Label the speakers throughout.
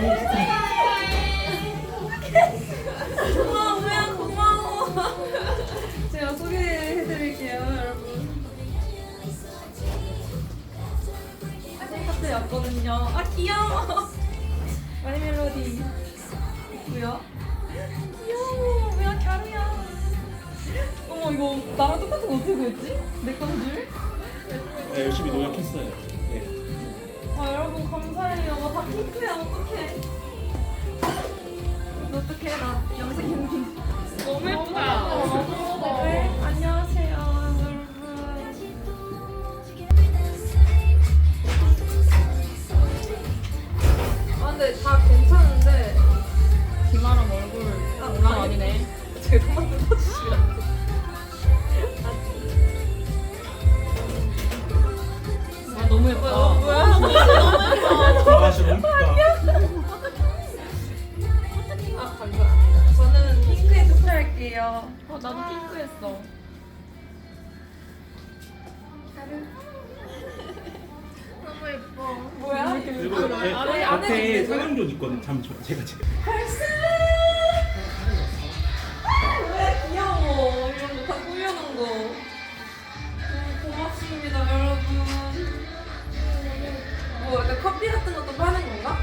Speaker 1: 고마워, 고마워. 제가 소개해드릴게요, 여러분. 카페 왔거든요. 아, 귀여워. 마이 멜로디. 뭐야? 귀여워. 뭐야, 갸루야. 어머, 이거 나랑 똑같은 거 어떻게 구했지? 내 건 줄?
Speaker 2: 네, 열심히 노력했어요. 네.
Speaker 1: 아, 여러분 감사해요. 다 핑크야. 어떡해. 어떡해. 나 염색 용기.
Speaker 3: 너무 예쁘다.
Speaker 1: 네, 안녕하세요, 여러분. 아, 근데 다 괜찮은데
Speaker 3: 김아람 얼굴 장난 아니네.
Speaker 1: 제가 한번 뜯어주시면.
Speaker 3: 아, 너무 예쁘다.
Speaker 2: 아, 진짜 너무 예쁘다.
Speaker 1: 아, 감사합니다. 저는 핑크에 투표할게요.
Speaker 3: 나도 핑크 했어.
Speaker 1: 너무 예뻐. 뭐야?
Speaker 2: 그리고
Speaker 1: 안에
Speaker 2: 앞에
Speaker 1: 있는 거야?
Speaker 2: 사랑존 있거든. 제가
Speaker 1: 벌써? 왜 귀여워. 이런 거 다 꾸며놓은 거. 너무 고맙습니다, 여러분. 뭐 약간 커피 같은 것도 파는 건가?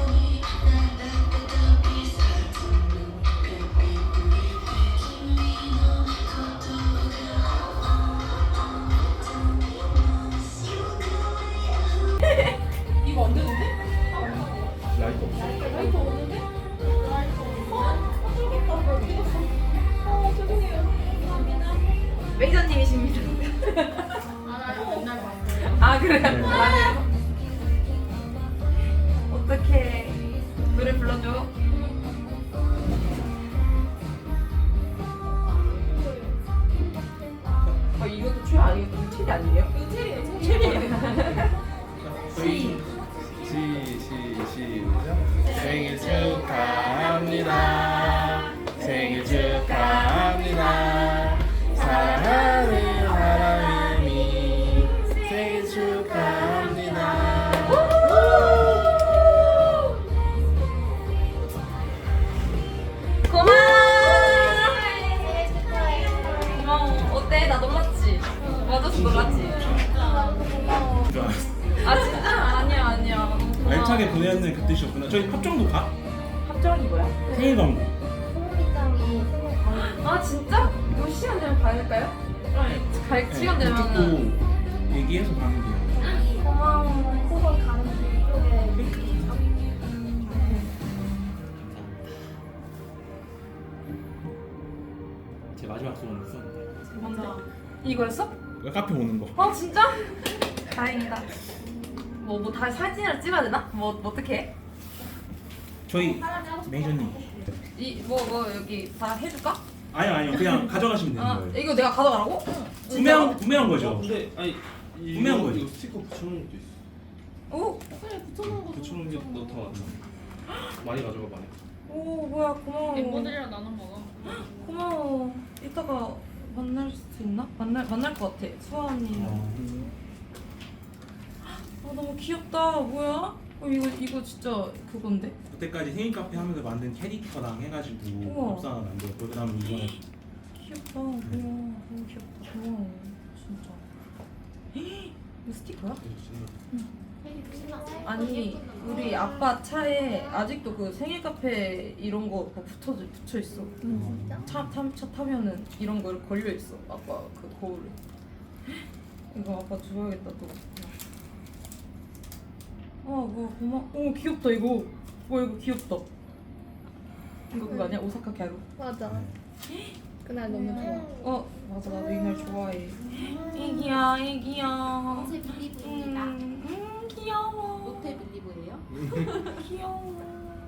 Speaker 1: 이거 안 되는데?
Speaker 2: 라이트 없어.
Speaker 1: 라이트 없는데? 죄송해요. 매니저님이십니다.
Speaker 3: 맨날 봤어요.
Speaker 1: 아, 그래요?
Speaker 2: 네.
Speaker 1: 맞아요. 어떡해. 노래 불러줘. 아, 이것도 최 아니에요? 최리 아니에요? 이거 최리예요. 최리예요.
Speaker 2: 저희 시작. 생일 축하합니다. 생일 축하합니다. 사랑하는 하람이 생일 축하합니다.
Speaker 1: 고마워. 어때? 나 놀랐지? 맞아서 놀랐지? 아, 진짜? 아니야. 너무 고마워.
Speaker 2: 알차게 보내는 그 뜻이었구나. 저희 합정도 가?
Speaker 1: 합정이 뭐야?
Speaker 2: 생일 광고.
Speaker 1: 아, 진짜? 이거 시간 되면 가야 갈 시간 되면은.
Speaker 2: 듣고 얘기해서 가는 거예요.
Speaker 1: 고마워.
Speaker 2: 제 마지막 소원을 썼는데.
Speaker 1: 뭔데? 이거였어?
Speaker 2: 카페 오는 거.
Speaker 1: 아, 진짜? 다행이다. 뭐 다 사진을 찍어야 되나? 뭐 어떻게?
Speaker 2: 저희 매니저님.
Speaker 1: 뭐 여기 다 해줄까?
Speaker 2: 아니요. 그냥 가져가시면 되는
Speaker 1: 아,
Speaker 2: 거예요.
Speaker 1: 이거 내가 가져가라고?
Speaker 2: 구매한 거죠.
Speaker 4: 근데 아니
Speaker 2: 구매한 거지.
Speaker 4: 이거 스티커 붙여놓은 것도 있어.
Speaker 1: 오,
Speaker 4: 붙여놓은 게 더 많아. 많이 가져가 많이.
Speaker 1: 오, 뭐야, 고마워.
Speaker 3: 멤버들이랑 나눠 먹어.
Speaker 1: 고마워. 이따가 만날 수 있나? 만날 것 같아. 수아언니랑. 아, 너무 귀엽다. 뭐야? 이거 진짜 그건데?
Speaker 2: 그때까지 생일 카페 하면서 만든 캐릭터랑 해가지고
Speaker 1: 우와.
Speaker 2: 밥상을 만들었고 그다음에 이번에
Speaker 1: 귀엽다. 우와, 너무 귀엽다. 고마워. 진짜. 이 스티커야? 아니, 우리 아빠 차에 아직도 그 생일 카페 이런 거 붙여 있어. 차 타면은 이런 거 걸려 있어. 아빠 그 거울에. 이거 아빠 줘야겠다 또. 뭐 오, 귀엽다 이거. 와, 이거 귀엽다. 이거 그거 아니야? 오사카 갸루.
Speaker 5: 맞아. 그날 너무 좋아.
Speaker 1: 맞아, 나도 이 날 좋아해. 애기야.
Speaker 6: 모태 빌리브입니다.
Speaker 1: 귀여워.
Speaker 6: 모태 빌리브예요?
Speaker 1: 귀여워.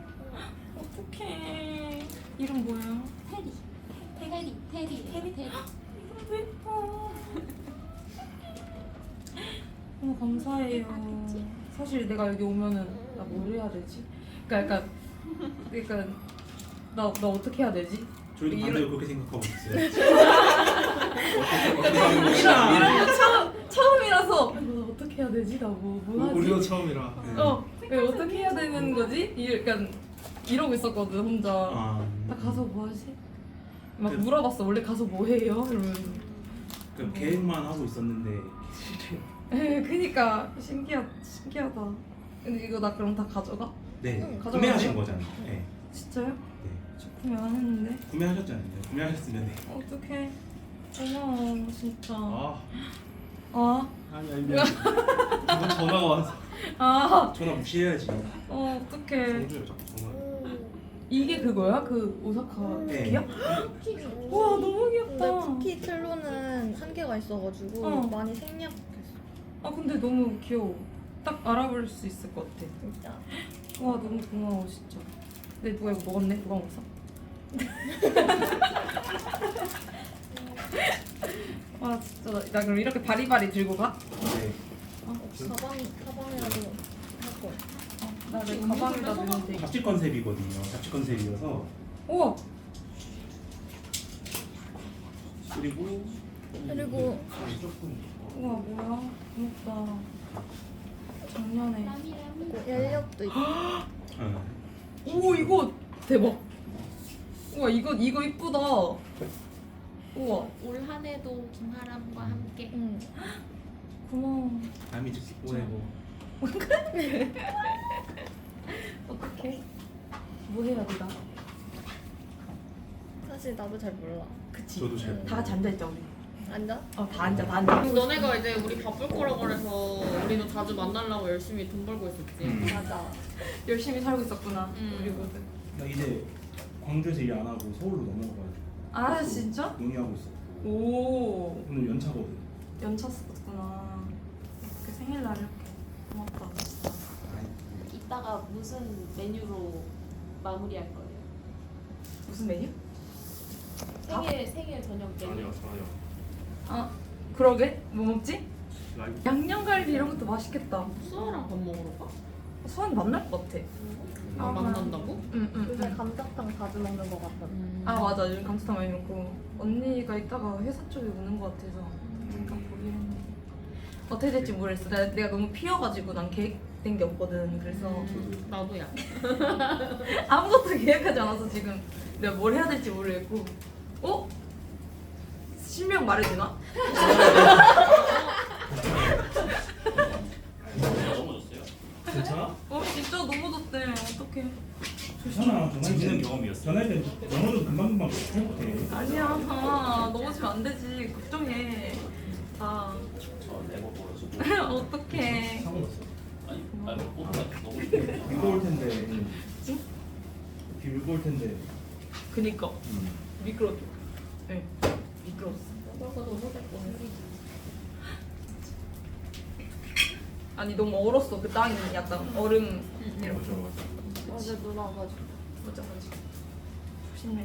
Speaker 1: 어떡해. 이름 뭐야?
Speaker 6: 테리.
Speaker 1: 너무 예뻐. 너무 감사해요. 사실 내가 여기 오면은 나 뭘 해야 되지? 그러니까 나 어떻게 해야 되지?
Speaker 2: 저희도
Speaker 1: 이런-
Speaker 2: 반대로 그렇게 생각하고 있어요.
Speaker 1: 이런 거 처음이라서 너 어떻게 해야 되지? 나 뭐 하지?
Speaker 4: 우리도 처음이라.
Speaker 1: 생각 왜 어떻게 해야 되는 거지? 약간 이러고 있었거든 혼자.
Speaker 2: 아,
Speaker 1: 나 가서 뭐 하지? 막
Speaker 2: 그-
Speaker 1: 물어봤어. 원래 가서 뭐 해요? 이러면서.
Speaker 2: 그 계획만 하고 있었는데 실제로.
Speaker 1: 그니까 신기하다. 근데 이거 나 그럼 다 가져가?
Speaker 2: 네,
Speaker 1: 가져가요?
Speaker 2: 구매하신 거잖아요. 네,
Speaker 1: 진짜요?
Speaker 2: 네.
Speaker 1: 저 구매 안 했는데.
Speaker 2: 구매하셨잖아요. 구매하셨으면 네.
Speaker 1: 어떡해. 고마워 진짜.
Speaker 4: 아
Speaker 1: 아,
Speaker 4: 아니 미안. 이거 전화가 와서.
Speaker 1: 아,
Speaker 2: 전화 무시해야지.
Speaker 1: 어떡해.
Speaker 4: 정주야 자꾸 전화.
Speaker 1: 이게 그거야? 그 오사카
Speaker 2: 네.
Speaker 1: 쿠키야? 우와 너무 귀엽다.
Speaker 5: 근데 쿠키 틀로는 한계가 있어가지고
Speaker 1: 어.
Speaker 5: 많이 생략했어.
Speaker 1: 아 근데 너무 귀여워. 딱 알아볼 수 있을 것 같아.
Speaker 5: 진짜.
Speaker 1: 와 너무 고마워 진짜. 근데 누가 이거 먹었네? 누가 먹었어? 와 진짜 나 그럼 이렇게 바리바리 들고 가?
Speaker 2: 네.
Speaker 5: 가방이라도 할 거.
Speaker 1: 나 내 가방에다 넣으면 돼.
Speaker 2: 잡지 컨셉이거든요. 잡지 컨셉이어서
Speaker 1: 우와
Speaker 2: 그리고
Speaker 4: 조금.
Speaker 1: 우와 뭐야 고맙다. 작년에.
Speaker 5: 연력도 있고.
Speaker 2: 어,
Speaker 1: 오 이거 대박. 우와 이거 이쁘다. 우와
Speaker 6: 올 한해도 김하람과 함께
Speaker 5: 응.
Speaker 1: 고마워.
Speaker 2: 남이 즉시 보내고
Speaker 1: 어떡해? 뭐 해야 돼 나?
Speaker 5: 사실 나도 잘 몰라.
Speaker 1: 그치.
Speaker 2: 저도 잘
Speaker 1: 다 같이 앉아 있자 우리.
Speaker 5: 앉아?
Speaker 1: 다 앉아 다 앉아.
Speaker 3: 너네가 이제 우리 바쁠 거라고 그래서 우리도 자주 만나려고 열심히 돈 벌고 있었지.
Speaker 5: 맞아.
Speaker 1: 열심히 살고 있었구나.
Speaker 3: 음.
Speaker 1: 우리거든.
Speaker 2: 나 이제 광주에서 일 안 하고 서울로 넘어가가지고
Speaker 1: 아
Speaker 2: 또
Speaker 1: 진짜?
Speaker 2: 논의하고 있었고
Speaker 1: 오
Speaker 2: 오늘 연차거든.
Speaker 1: 연차 썼구나. 그 생일날 이렇게 고맙다.
Speaker 6: 이따가 무슨 메뉴로 마무리할 거예요?
Speaker 1: 무슨 메뉴?
Speaker 6: 생일 저녁 메뉴.
Speaker 4: 아니야 전화야.
Speaker 1: 아 그러게 뭐 먹지?
Speaker 4: 라이브.
Speaker 1: 양념갈비 이런 것도 맛있겠다.
Speaker 3: 수아랑 밥 먹으러 가?
Speaker 1: 수환 만날 것 같아.
Speaker 3: 아 만난다고?
Speaker 1: 응응.
Speaker 5: 요새 감자탕 자주 먹는 거 같아.
Speaker 1: 아 맞아 요즘 감자탕 많이 먹고 언니가 이따가 회사 쪽에 오는 것 같아서 잠깐 보기로 했는데 어떻게 될지 모르겠어. 내가 너무 피어가지고 난 계획된 게 없거든. 그래서
Speaker 3: 나도야.
Speaker 1: 아무것도 계획하지 않아서 지금 내가 뭘 해야 될지 모르겠고. 어? 실명 말해도 되나?
Speaker 4: 넘어졌어요? 괜찮아?
Speaker 1: 진짜 너무 덥대. 어떡해.
Speaker 2: 괜찮아.
Speaker 4: 재밌는 경험이었어.
Speaker 2: 전화할 때 영어도 금방금방 해볼게.
Speaker 1: 아니야. 넘어지면 안 되지. 걱정해. 다.
Speaker 4: 네버 벌어지고.
Speaker 1: 어떡해.
Speaker 2: 사고 났어.
Speaker 4: 아니 너무.
Speaker 2: 비가 올 텐데. 비 울고 올 텐데.
Speaker 1: 그니까. 미끄러워. 네. 미끄러웠어.
Speaker 5: 너가 너무 될 뻔했어.
Speaker 1: 아니 너무 얼었어. 그 땅이 약간 얼음. 이렇게.
Speaker 5: 어제 눈 와가지고.
Speaker 1: 맞아. 조심해.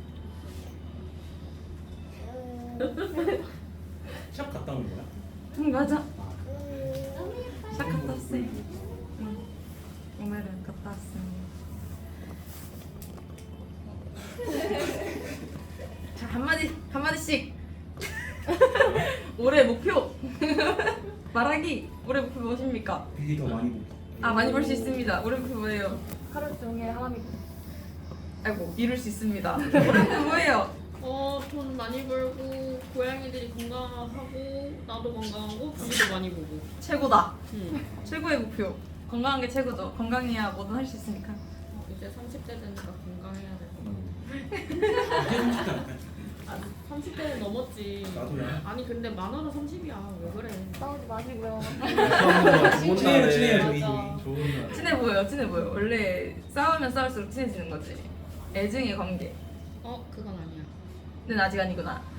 Speaker 2: 샵 갔다 온 거야?
Speaker 1: 응 맞아.
Speaker 2: 아,
Speaker 1: 싹 갔다 왔어요. 응. 오늘은 갔다 왔습니다. 자 한마디씩. 올해 목표 말하기. 올해 목표 무엇입니까?
Speaker 2: 비리 더 많이 보기.
Speaker 1: 아 많이 벌 수 있습니다. 올해 목표 뭐예요?
Speaker 5: 하루 종일 하람이
Speaker 1: 아이고 이룰 수 있습니다. 올해 목표 뭐예요?
Speaker 3: 돈 많이 벌고 고양이들이 건강하고 나도 건강하고 부위도 많이 보고.
Speaker 1: 최고다.
Speaker 3: 응.
Speaker 1: 최고의 목표. 건강한 게 최고죠. 건강해야 뭐든 할 수 있으니까.
Speaker 3: 이제 30대 되니까 건강해야 될 것 같아.
Speaker 2: 이제 30대 안 돼.
Speaker 3: 30대는 넘었지.
Speaker 2: 나도야.
Speaker 3: 아니 근데 만화도 30이야. 왜 그래?
Speaker 5: 싸우지 마시고요.
Speaker 2: 친해요, 친해요, 저희.
Speaker 3: 맞아.
Speaker 4: 좋은 날.
Speaker 1: 친해 보여. 원래 싸우면 싸울수록 친해지는 거지. 애증의 관계.
Speaker 3: 그건 아니야.
Speaker 1: 는 아직 아니구나.